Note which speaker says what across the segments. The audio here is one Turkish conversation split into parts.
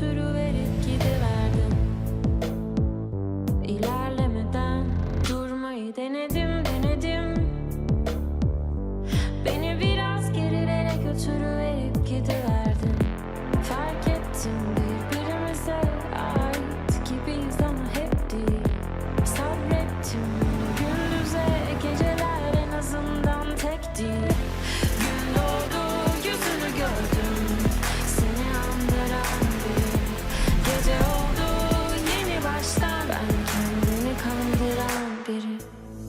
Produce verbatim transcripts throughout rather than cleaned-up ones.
Speaker 1: götürüverip gidiverdin. İlerlemeden durmayı denedim denedim. Beni biraz gerilere götürüverip gidiverdin. Fark ettim birbirimize ait gibiyiz ama hep değil. Sabrettim gündüze, geceler en azından tek değil. Gün doğdu, yüzünü gördüm, seni andıran biri. Gece oldu, yeni baştan ben kendimi kandıran biri.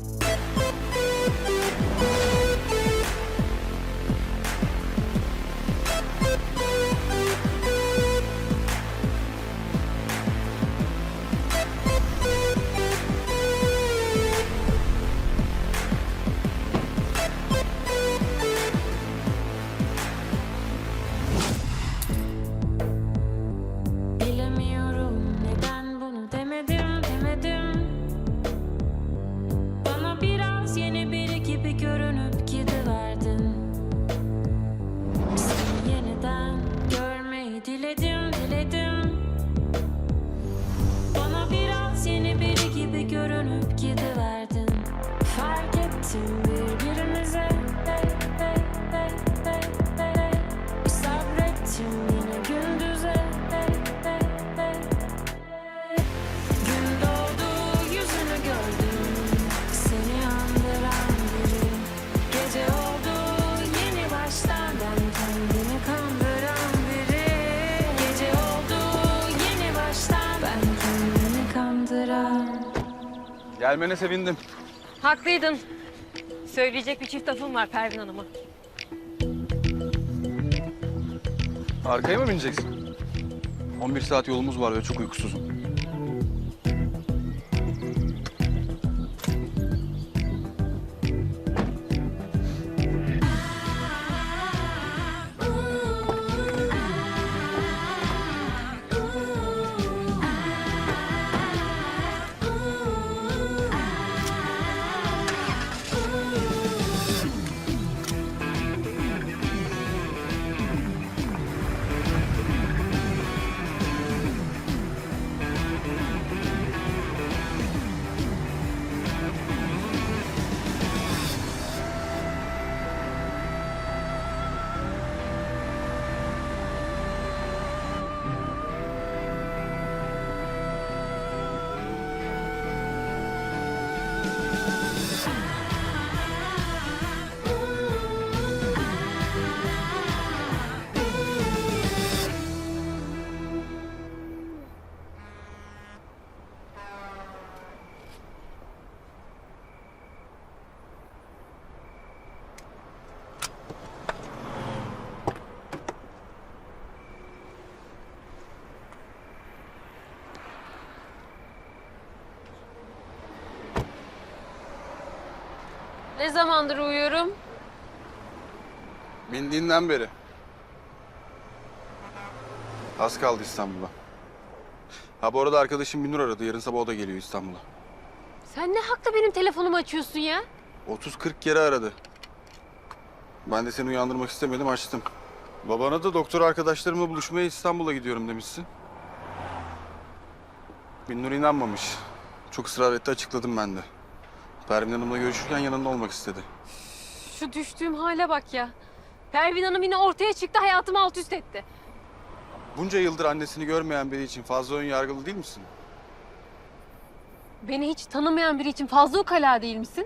Speaker 1: Bilemiyorum neden bunu demedim demedim. Bana biraz yeni biri gibi görünüp gidiverdin. Seni yeniden görmeyi diledim diledim. Bana biraz yeni biri gibi görünüp gidiverdin. Fark ettim birbirimize sabrettim yine gündüze. Gün doğdu, yüzünü gördüm, seni andıran biri. Gece oldu, yeni baştan ben kendimi kandıran biri. Gece oldu, yeni baştan ben kendimi kandıran.
Speaker 2: Gelmene sevindim.
Speaker 3: Haklıydın. Söyleyecek bir çift lafım var Pervin Hanım'a.
Speaker 2: Arkaya mı bineceksin? on bir saat yolumuz var ve çok uykusuzum.
Speaker 3: Ne zamandır uyuyorum?
Speaker 2: Bindiğinden beri. Az kaldı İstanbul'a. Ha bu arada arkadaşım Binur aradı. Yarın sabah o da geliyor İstanbul'a.
Speaker 3: Sen ne hakla benim telefonumu açıyorsun ya?
Speaker 2: otuz kırk kere aradı. Ben de seni uyandırmak istemedim, açtım. Babana da doktor arkadaşlarımla buluşmaya İstanbul'a gidiyorum demişsin. Binur inanmamış. Çok ısrar etti, açıkladım ben de. Pervin Hanım'la görüşürken yanında olmak istedi.
Speaker 3: Şu düştüğüm hale bak ya. Pervin Hanım yine ortaya çıktı, hayatımı alt üst etti.
Speaker 2: Bunca yıldır annesini görmeyen biri için fazla ön yargılı değil misin?
Speaker 3: Beni hiç tanımayan biri için fazla ukala değil misin?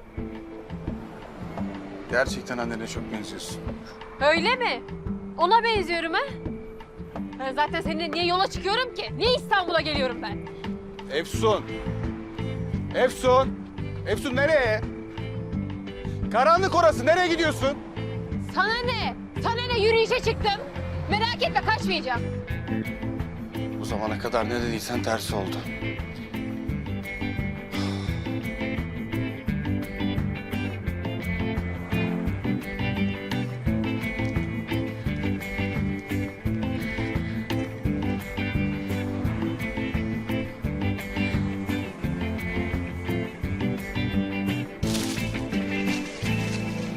Speaker 2: Gerçekten annene çok benziyorsun.
Speaker 3: Öyle mi? Ona benziyorum ha? Ben zaten seninle niye yola çıkıyorum ki? Niye İstanbul'a geliyorum ben?
Speaker 2: Efsun! Efsun! Efsun nereye? Karanlık orası, nereye gidiyorsun?
Speaker 3: Sana ne? Sana ne? Yürüyüşe çıktım. Merak etme, kaçmayacağım.
Speaker 2: Bu zamana kadar ne dediysen tersi oldu.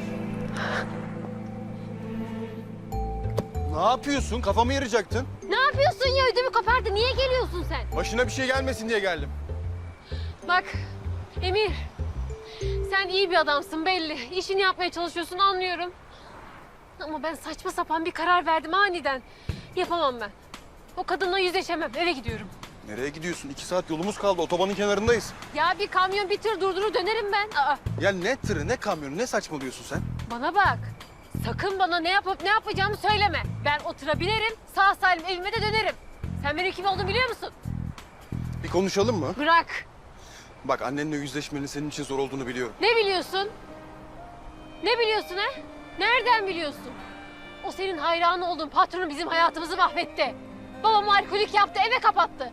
Speaker 2: Ne yapıyorsun? Kafamı yarayacaktın.
Speaker 3: Ne yapayım? yapıyorsun ya? Ödümü kopardı. Niye geliyorsun sen?
Speaker 2: Başına bir şey gelmesin diye geldim.
Speaker 3: Bak Emir, sen iyi bir adamsın belli. İşini yapmaya çalışıyorsun anlıyorum. Ama ben saçma sapan bir karar verdim aniden. Yapamam ben. O kadınla yüzleşemem. Eve gidiyorum.
Speaker 2: Nereye gidiyorsun? İki saat yolumuz kaldı. Otobanın kenarındayız.
Speaker 3: Ya bir kamyon bir tır durdurur dönerim ben. Aa,
Speaker 2: Ya ne tırı, ne kamyonu, ne saçmalıyorsun sen?
Speaker 3: bana bak. Sakın bana ne yapıp ne yapacağımı söyleme. Ben o tıra binerim, sağ salim evime de dönerim. Sen benim kim olduğumu biliyor musun?
Speaker 2: Bir konuşalım mı?
Speaker 3: Bırak.
Speaker 2: Bak annenle yüzleşmenin senin için zor olduğunu biliyorum.
Speaker 3: Ne biliyorsun? Ne biliyorsun he? Nereden biliyorsun? O senin hayranı olduğun patronun bizim hayatımızı mahvetti. Babam alkolik yaptı, eve kapattı.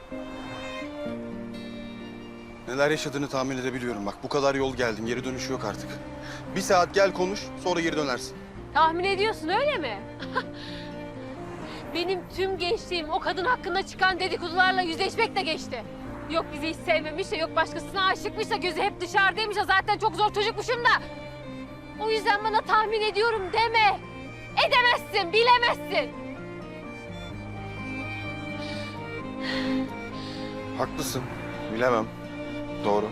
Speaker 2: Neler yaşadığını tahmin edebiliyorum. Bak bu kadar yol geldin, geri dönüş yok artık. Bir saat gel konuş, sonra geri dönersin.
Speaker 3: Tahmin ediyorsun öyle mi? Benim tüm gençliğim o kadın hakkında çıkan dedikodularla yüzleşmekle geçti. Yok bizi hiç sevmemiş de, yok başkasına aşıkmış da, gözü hep dışarıdaymış da, zaten çok zor çocukmuşum da. O yüzden bana tahmin ediyorum deme. Edemezsin, bilemezsin.
Speaker 2: Haklısın, bilemem. Doğru.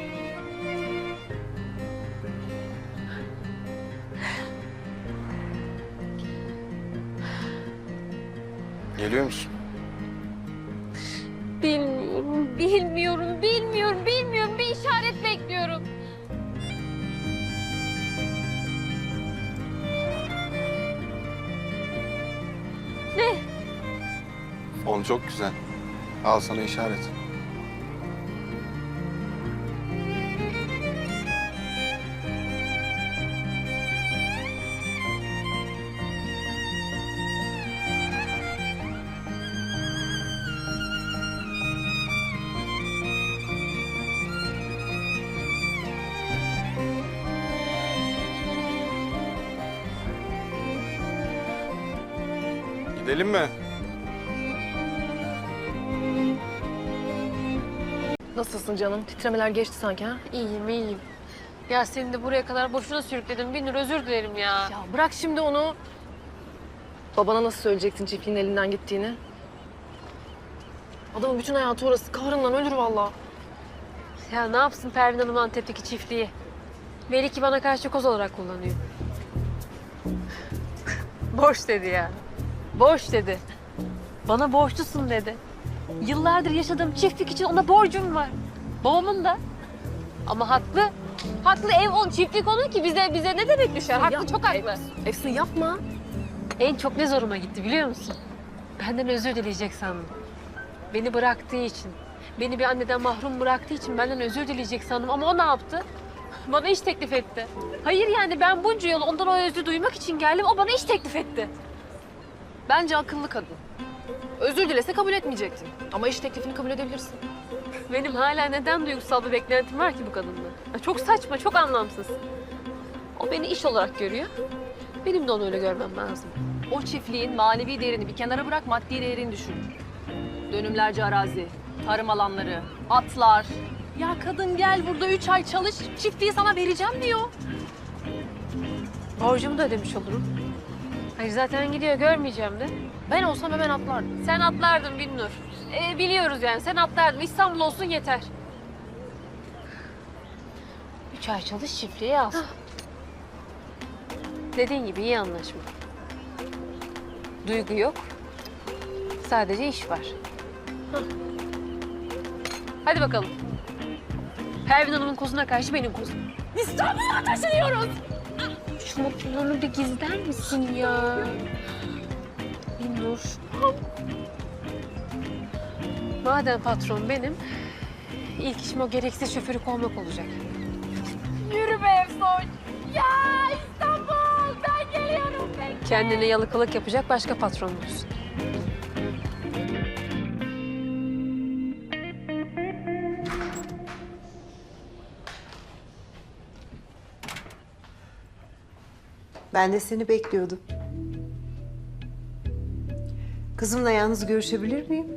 Speaker 2: Geliyor musun?
Speaker 3: Bilmiyorum, bilmiyorum, bilmiyorum, bilmiyorum. Bir işaret bekliyorum. Ne?
Speaker 2: Fon çok güzel. Al sana işaret. Gidelim mi?
Speaker 4: Nasılsın canım? Titremeler geçti sanki ha?
Speaker 3: İyiyim, iyiyim. Ya seni de buraya kadar boşuna sürükledim. Binur, özür dilerim ya.
Speaker 4: Ya bırak şimdi onu. Babana nasıl söyleyecektin çiftliğin elinden gittiğini? Adamın bütün hayatı orası. Kahrından ölür vallahi.
Speaker 3: Ya ne yapsın Pervin Hanım Antep'teki çiftliği? Belli ki bana karşı koz olarak kullanıyor. Boş dedi ya. Boş dedi. Bana borçlusun dedi. Yıllardır yaşadığım çiftlik için ona borcum var. Babamın da. Ama haklı. Haklı, ev on, çiftlik onun ki bize bize ne demek düşer? Haklı,
Speaker 4: Ya,
Speaker 3: çok haklı.
Speaker 4: Efsun yapma.
Speaker 3: En çok ne zoruma gitti biliyor musun? Benden özür dileyecek sandım. Beni bıraktığı için. Beni bir anneden mahrum bıraktığı için benden özür dileyecek sandım. Ama o ne yaptı? Bana iş teklif etti. Hayır yani ben bunca yol ondan o özrü duymak için geldim. O bana iş teklif etti.
Speaker 4: Bence akıllı kadın. Özür dilese kabul etmeyecektin. Ama iş teklifini kabul edebilirsin.
Speaker 3: Benim hala neden duygusal bir beklentim var ki bu kadından? Ya çok saçma, çok anlamsız. O beni iş olarak görüyor. Benim de onu öyle görmem lazım.
Speaker 4: O çiftliğin manevi değerini bir kenara bırak, maddi değerini düşün. Dönümlerce arazi, tarım alanları, atlar. Ya kadın gel burada üç ay çalış, çiftliği sana vereceğim diyor.
Speaker 3: Borcumu da ödemiş olurum. Hayır zaten gidiyor, görmeyeceğim de.
Speaker 4: Ben olsam hemen atlardım.
Speaker 3: Sen atlardın Binnur. Ee, biliyoruz yani, sen atlardın. İstanbul olsun yeter. Üç ay çalış, çiftliği al. Dediğin gibi iyi anlaşma. Duygu yok. Sadece iş var. Hah. Hadi bakalım. Pervin Hanım'ın kozuna karşı benim kozum. İstanbul'a taşınıyoruz. Şu mutluluğunu bir gizler misin ya? Binnur. Madem patron benim, ilk işim o gereksiz şoförü kovmak olacak. Yürü be Efsoy. Ya İstanbul, ben geliyorum. Ben. Kendine yalakalık yapacak başka patron bulsun.
Speaker 5: Ben de seni bekliyordum. Kızımla yalnız görüşebilir miyim?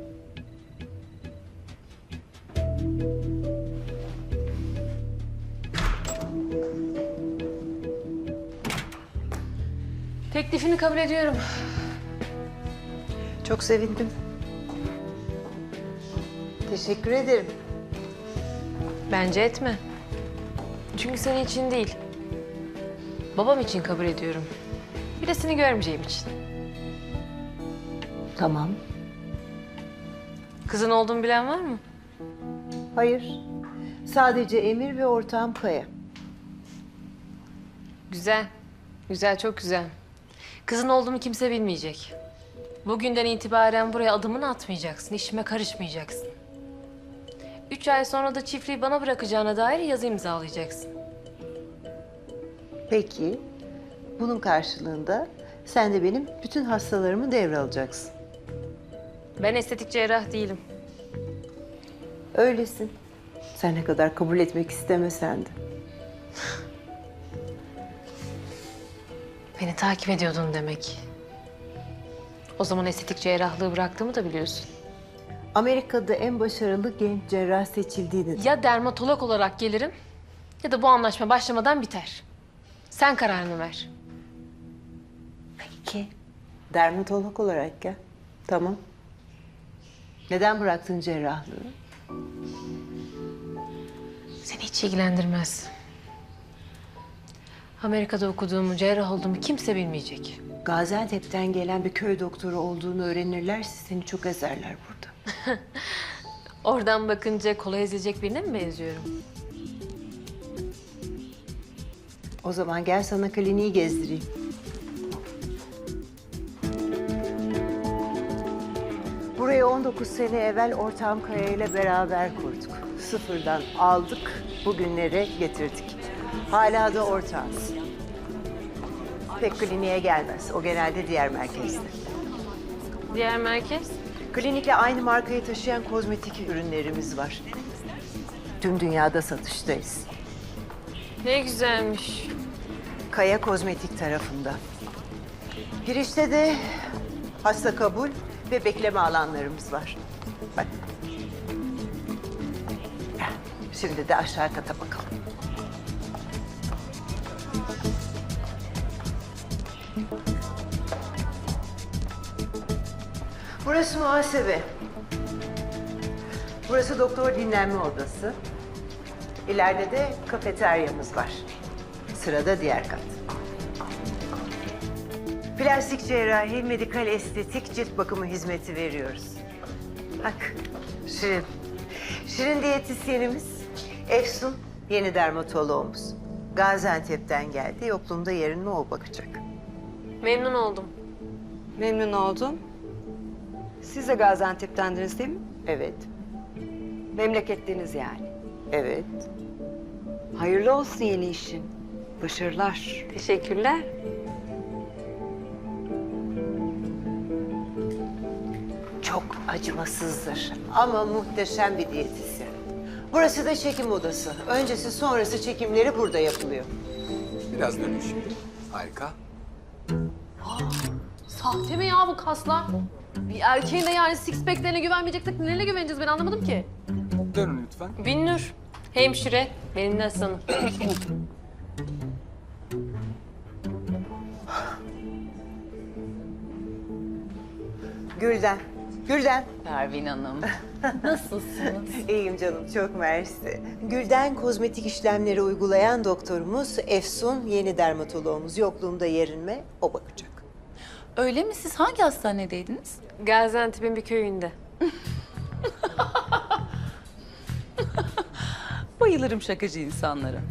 Speaker 3: Teklifini kabul ediyorum.
Speaker 5: Çok sevindim. Teşekkür ederim.
Speaker 3: Bence etme. Çünkü senin için değil. Babam için kabul ediyorum. Bir de seni görmeyeceğim için.
Speaker 5: Tamam.
Speaker 3: Kızın olduğumu bilen var mı?
Speaker 5: Hayır. Sadece Emir ve ortağım Kaya.
Speaker 3: Güzel. Güzel, çok güzel. Kızın olduğumu kimse bilmeyecek. Bugünden itibaren buraya adımını atmayacaksın, işime karışmayacaksın. Üç ay sonra da çiftliği bana bırakacağına dair yazı imzalayacaksın.
Speaker 5: Peki. Bunun karşılığında sen de benim bütün hastalarımı devralacaksın.
Speaker 3: Ben estetik cerrah değilim.
Speaker 5: Öylesin. Sen ne kadar kabul etmek istemesen de.
Speaker 3: Beni takip ediyordun demek. O zaman estetik cerrahlığı bıraktığımı da biliyorsun.
Speaker 5: Amerika'da en başarılı genç cerrah seçildiğini...
Speaker 3: Ya dermatolog olarak gelirim ya da bu anlaşma başlamadan biter. Sen kararını ver.
Speaker 5: Peki. Dermatolog olarak gel. Tamam. Neden bıraktın cerrahlığı?
Speaker 3: Seni hiç ilgilendirmez. Amerika'da okuduğumu, cerrah olduğumu kimse bilmeyecek.
Speaker 5: Gaziantep'ten gelen bir köy doktoru olduğunu öğrenirlerse seni çok ezerler burada.
Speaker 3: Oradan bakınca kolay ezilecek birine mi benziyorum?
Speaker 5: O zaman gel sana kliniği gezdireyim. Burayı on dokuz sene evvel ortağım Kaya ile beraber kurduk. Sıfırdan aldık, bugünlere getirdik. Hala da ortağız. Pek kliniğe gelmez. O genelde diğer merkezde.
Speaker 3: Diğer merkez?
Speaker 5: Klinikle aynı markayı taşıyan kozmetik ürünlerimiz var. Tüm dünyada satıştayız.
Speaker 3: Ne güzelmiş.
Speaker 5: Kaya Kozmetik tarafında. Girişte de hasta kabul ve bekleme alanlarımız var. Bak. Şimdi de aşağı kata bakalım. Burası muhasebe. Burası doktor dinlenme odası. İleride de kafeteryamız var. Sırada diğer kat. Plastik cerrahi, medikal estetik, cilt bakımı hizmeti veriyoruz. Bak, Şirin. Şirin diyetisyenimiz, Efsun yeni dermatoloğumuz. Gaziantep'ten geldi, yokluğumda yerine o bakacak.
Speaker 3: Memnun oldum.
Speaker 6: Memnun oldum. Siz de Gaziantep'tendiniz değil mi?
Speaker 5: Evet,
Speaker 6: Memleketliniz yani.
Speaker 5: evet.
Speaker 6: Hayırlı olsun yeni işin. Başarılar.
Speaker 3: Teşekkürler.
Speaker 5: Çok acımasızdır ama muhteşem bir diyetisyen. Burası da çekim odası. Öncesi sonrası çekimleri burada yapılıyor.
Speaker 7: Biraz dönün şimdi. Harika.
Speaker 4: Sahte mi ya bu kaslar? Bir erkeğin de yani six pack'lerine güvenmeyeceksek nelerine güveneceğiz ben anlamadım ki.
Speaker 7: Dönün lütfen.
Speaker 3: Binnur, hemşire, benim de asistanım.
Speaker 5: Gülden, Gülden.
Speaker 4: Pervin Hanım. Nasılsınız?
Speaker 5: İyiyim canım, çok mersi. Gülden kozmetik işlemleri uygulayan doktorumuz, Efsun yeni dermatoloğumuz. Yokluğumda yerinme, o bakacak.
Speaker 8: Öyle mi? Siz hangi hastanedeydiniz?
Speaker 3: Gaziantep'in bir köyünde.
Speaker 8: Bayılırım şakacı insanlara.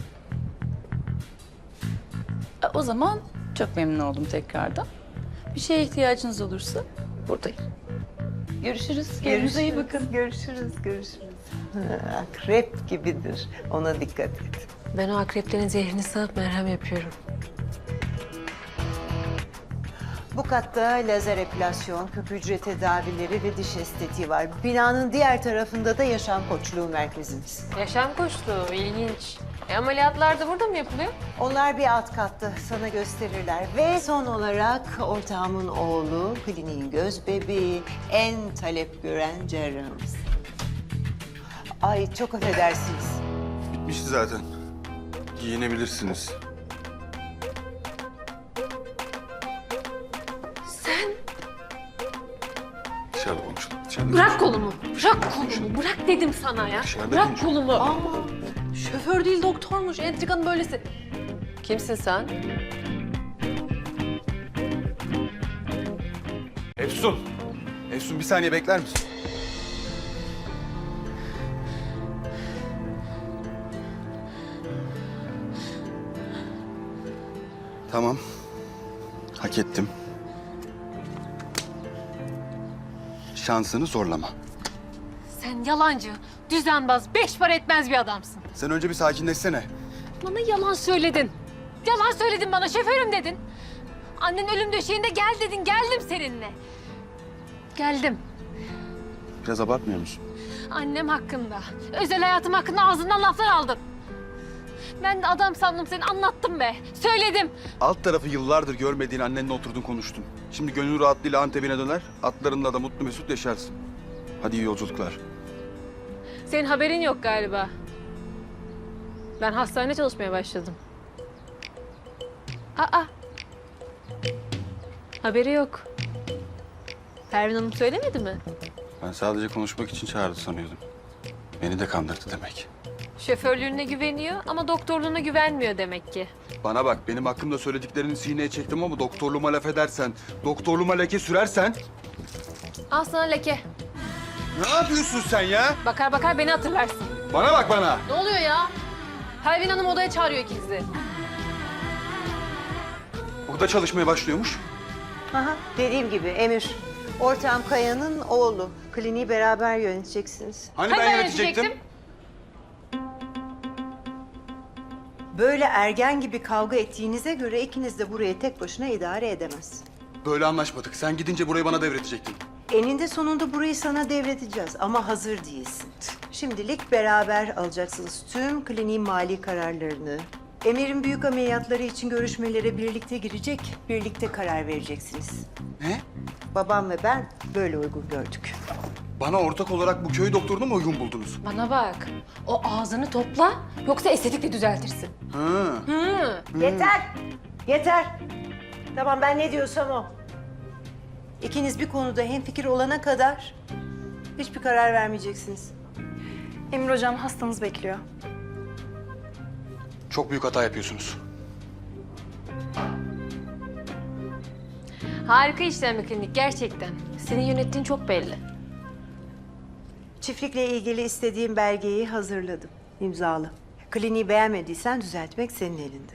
Speaker 8: E, O zaman çok memnun oldum tekrardan. Bir şeye ihtiyacınız olursa buradayım. Görüşürüz. Kendinize iyi bakın.
Speaker 5: Görüşürüz, görüşürüz. Ha, akrep gibidir, ona dikkat et.
Speaker 3: Ben o akreplerin zehrini sağıp merhem yapıyorum.
Speaker 5: Bu katta lazer epilasyon, küp hücre tedavileri ve diş estetiği var. Binanın diğer tarafında da yaşam koçluğu merkezimiz.
Speaker 3: Yaşam koçluğu, ilginç. E, ameliyatlar da burada mı yapılıyor?
Speaker 5: Onlar bir alt katta, sana gösterirler. Ve son olarak ortağımın oğlu, kliniğin göz bebeği, en talep gören cerrahımız. Ay çok affedersiniz.
Speaker 2: Bitmişti zaten. Giyinebilirsiniz.
Speaker 3: Sen
Speaker 2: Dışarıda konuşalım. Dışarıda
Speaker 3: Bırak kolumu. Bırak kolumu. Bırak dedim sana ya.
Speaker 2: Dışarıda
Speaker 3: Bırak
Speaker 2: konuşalım.
Speaker 3: kolumu.
Speaker 4: Ama şoför değil doktormuş. Entrikanın böylesi. Kimsin sen?
Speaker 2: Efsun. Efsun bir saniye bekler misin? Tamam. Hak ettim. Şansını zorlama.
Speaker 3: Sen yalancı, düzenbaz, beş para etmez bir adamsın.
Speaker 2: Sen önce bir sakinleşsene.
Speaker 3: Bana yalan söyledin. Yalan söyledin bana, şoförüm dedin. Annen ölüm döşeğinde gel dedin, geldim seninle. Geldim.
Speaker 2: Biraz abartmıyor musun?
Speaker 3: Annem hakkında, özel hayatım hakkında ağzından laflar aldın. Ben de adam sandım seni, anlattım be. Söyledim.
Speaker 2: Alt tarafı yıllardır görmediğin annenle oturdun konuştun. Şimdi gönül rahatlığıyla Antep'ine döner, atlarınla da mutlu mesut yaşarsın. Hadi iyi yolculuklar.
Speaker 3: Senin haberin yok galiba. Ben hastanede çalışmaya başladım. Aa. Haberi yok. Pervin Hanım söylemedi mi?
Speaker 2: Ben sadece konuşmak için çağırdı sanıyordum. Beni de kandırdı demek.
Speaker 3: Şoförlüğüne güveniyor ama doktorluğuna güvenmiyor demek ki.
Speaker 2: Bana bak, benim hakkımda söylediklerini sineye çektim ama doktorluğuma laf edersen, doktorluğuma leke sürersen...
Speaker 3: Al sana leke.
Speaker 2: Ne yapıyorsun sen ya?
Speaker 3: Bakar bakar beni hatırlarsın.
Speaker 2: Bana bak bana.
Speaker 4: Ne oluyor ya? Pervin Hanım odaya çağırıyor ikinizi.
Speaker 2: Burada çalışmaya başlıyormuş.
Speaker 5: Aha, dediğim gibi Emir, ortağım Kaya'nın oğlu. Kliniği beraber yöneteceksiniz.
Speaker 2: Hani,
Speaker 3: Hani
Speaker 2: ben
Speaker 3: ben
Speaker 2: yönetecektim?
Speaker 3: yönetecektim?
Speaker 5: Böyle ergen gibi kavga ettiğinize göre ikiniz de burayı tek başına idare edemez.
Speaker 2: Böyle anlaşmadık. Sen gidince burayı bana devredecektin.
Speaker 5: Eninde sonunda burayı sana devredeceğiz ama hazır değilsin. Şimdilik beraber alacaksınız tüm kliniğin mali kararlarını. Emir'in büyük ameliyatları için görüşmelere birlikte girecek, birlikte karar vereceksiniz.
Speaker 2: Ne?
Speaker 5: Babam ve ben böyle uygun gördük.
Speaker 2: Bana ortak olarak bu köy doktorunu mu uygun buldunuz?
Speaker 3: Bana bak. O ağzını topla yoksa estetikle düzeltirsin.
Speaker 2: Ha.
Speaker 3: Hı.
Speaker 5: Yeter! Yeter! Tamam, ben ne diyorsam o. İkiniz bir konuda hemfikir olana kadar hiçbir karar vermeyeceksiniz.
Speaker 9: Emir hocam hastanız bekliyor.
Speaker 2: Çok büyük hata yapıyorsunuz.
Speaker 3: Harika işlem bir klinik gerçekten. Senin yönettiğin çok belli.
Speaker 5: Çiftlikle ilgili istediğim belgeyi hazırladım. İmzalı. Kliniği beğenmediysen düzeltmek senin elinde.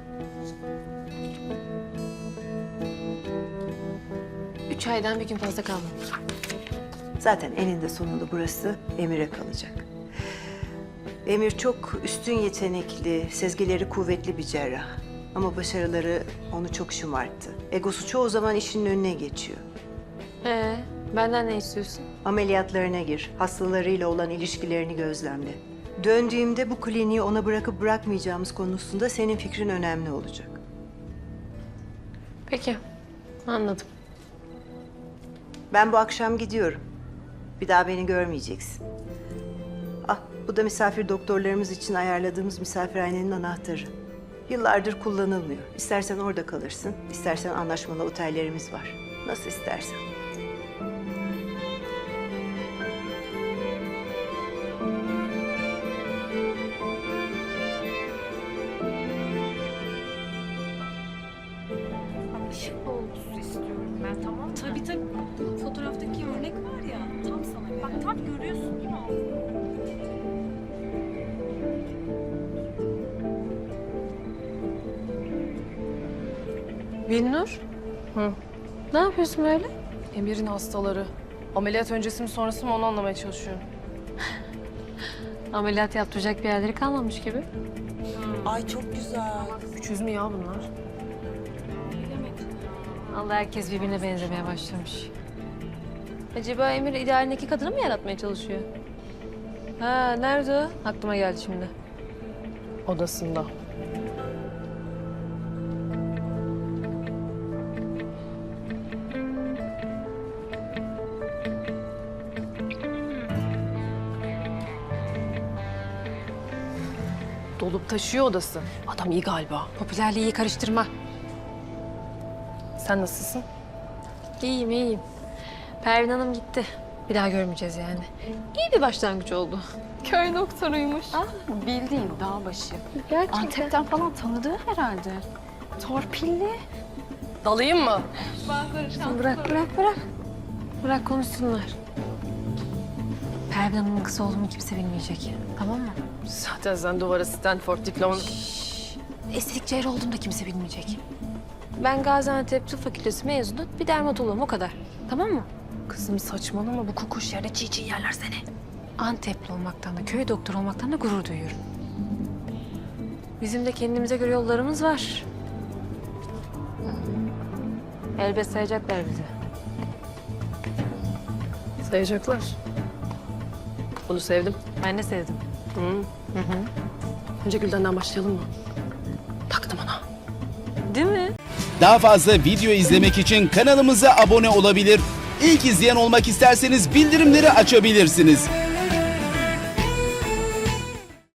Speaker 3: Üç aydan bir gün fazla kalmamış.
Speaker 5: Zaten eninde sonunda burası Emir'e kalacak. Emir çok üstün yetenekli, sezgileri kuvvetli bir cerrah. Ama başarıları onu çok şımarttı. Egosu çoğu zaman işinin önüne geçiyor.
Speaker 3: Ee, benden ne istiyorsun?
Speaker 5: Ameliyatlarına gir, hastalarıyla olan ilişkilerini gözlemle. Döndüğümde bu kliniği ona bırakıp bırakmayacağımız konusunda senin fikrin önemli olacak.
Speaker 3: Peki, anladım.
Speaker 5: Ben bu akşam gidiyorum. Bir daha beni görmeyeceksin. Ah, bu da misafir doktorlarımız için ayarladığımız misafirhanenin anahtarı. Yıllardır kullanılmıyor. İstersen orada kalırsın, istersen anlaşmalı otellerimiz var. Nasıl istersen.
Speaker 9: Tabii tabii. Fotoğraftaki örnek var ya tam sana göre. Bak tam görüyorsun değil mi?
Speaker 3: Binnur. Hı. Ne yapıyorsun böyle?
Speaker 4: Emir'in hastaları. Ameliyat öncesi mi sonrası mı onu anlamaya çalışıyorum.
Speaker 3: Ameliyat yaptıracak bir yerleri kalmamış gibi.
Speaker 6: Ay çok güzel.
Speaker 4: Üç yüz mü ya bunlar?
Speaker 3: Allah, herkes birbirine benzemeye başlamış. Acaba Emir idealindeki kadını mı yaratmaya çalışıyor? Ha, nerede o? Aklıma geldi şimdi.
Speaker 4: Odasında. Dolup taşıyor odası. Adam iyi galiba.
Speaker 3: Popülerliği karıştırma.
Speaker 4: Sen nasılsın?
Speaker 3: İyiyim, iyiyim. Pervin Hanım gitti. Bir daha görmeyeceğiz yani. İyi bir başlangıç oldu. Köy doktoruymuş.
Speaker 4: Bildiğin dağ başı.
Speaker 3: Gerçekten.
Speaker 4: Antep'ten falan tanıdığı herhalde. Torpilli. Dalayım mı?
Speaker 3: Bırak bırak bırak. Bırak konuşsunlar. Pervin Hanım'ın kızı olduğumu kimse bilmeyecek. Tamam mı?
Speaker 4: Zaten sen duvara Stanford diplomanı...
Speaker 3: Estetik cerrah olduğumu da kimse bilmeyecek. Ben Gaziantep Tıp Fakültesi mezunu bir dermatoloğum o kadar. Tamam mı?
Speaker 4: Kızım saçmalama bu kokuş yerde çiğ çiğ yerler seni.
Speaker 3: Antepli olmaktan da köy doktoru olmaktan da gurur duyuyorum. Bizim de kendimize göre yollarımız var. Elbet sayacaklar bizi.
Speaker 4: Sayacaklar. Bunu sevdim.
Speaker 3: Ben de sevdim.
Speaker 4: Önce Gülden'den başlayalım mı? Taktım ona.
Speaker 3: Değil mi?
Speaker 10: Daha fazla video izlemek için kanalımıza abone olabilir. İlk izleyen olmak isterseniz bildirimleri açabilirsiniz.